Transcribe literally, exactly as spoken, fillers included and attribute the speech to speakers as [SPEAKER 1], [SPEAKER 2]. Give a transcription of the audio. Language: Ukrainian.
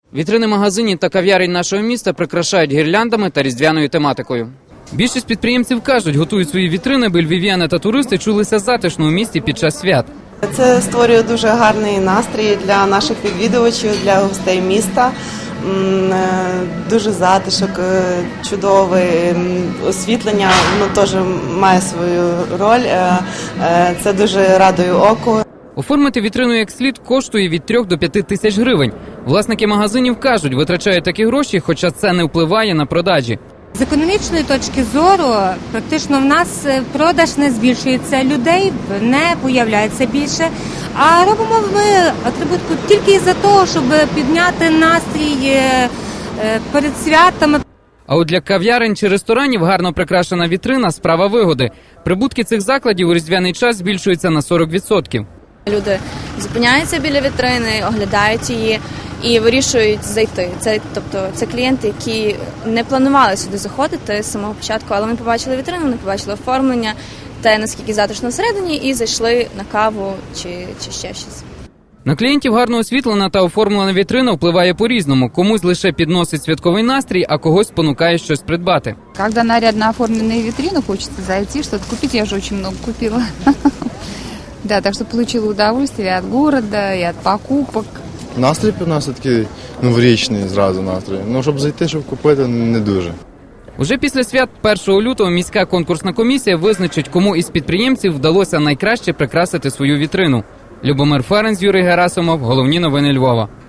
[SPEAKER 1] Вітрини магазинів та кав'ярень нашого міста прикрашають гірляндами та різдвяною тематикою. Більшість підприємців кажуть, готують свої вітрини, аби львів'яни та туристи чулися затишно у місті під час свят.
[SPEAKER 2] Це створює дуже гарний настрій для наших відвідувачів, для гостей міста. Дуже затишок, чудове освітлення, воно теж має свою роль. Це дуже радує оку.
[SPEAKER 1] Оформити вітрину як слід коштує від трьох до п'яти тисяч гривень. Власники магазинів кажуть, витрачають такі гроші, хоча це не впливає на продажі.
[SPEAKER 3] З економічної точки зору, практично в нас продаж не збільшується, людей не появляється більше, а робимо ми атрибутку тільки із-за того, щоб підняти настрій перед святами.
[SPEAKER 1] А от для кав'ярень чи ресторанів гарно прикрашена вітрина – справа вигоди. Прибутки цих закладів у різдвяний час збільшуються на сорок відсотків.
[SPEAKER 4] Люди зупиняються біля вітрини, оглядають її і вирішують зайти. Це, тобто, це клієнти, які не планували сюди заходити з самого початку, але вони побачили вітрину, вони побачили оформлення, те, наскільки затишно всередині, і зайшли на каву чи, чи ще щось.
[SPEAKER 1] На клієнтів гарно освітлена та оформлена вітрина впливає по-різному. Комусь лише підносить святковий настрій, а когось спонукає щось придбати.
[SPEAKER 5] Когда нарядно оформленные витрины, хочется зайти, что-то купить. Я же очень много купила. Да, так что получила удовольствие от города и от покупок.
[SPEAKER 6] Настрій у нас такий новорічний зразу настрій. Ну, щоб зайти, щоб купити, не дуже.
[SPEAKER 1] Уже після свят першого лютого міська конкурсна комісія визначить, кому із підприємців вдалося найкраще прикрасити свою вітрину. Любомир Ференц, Юрій Герасимов. Головні новини Львова.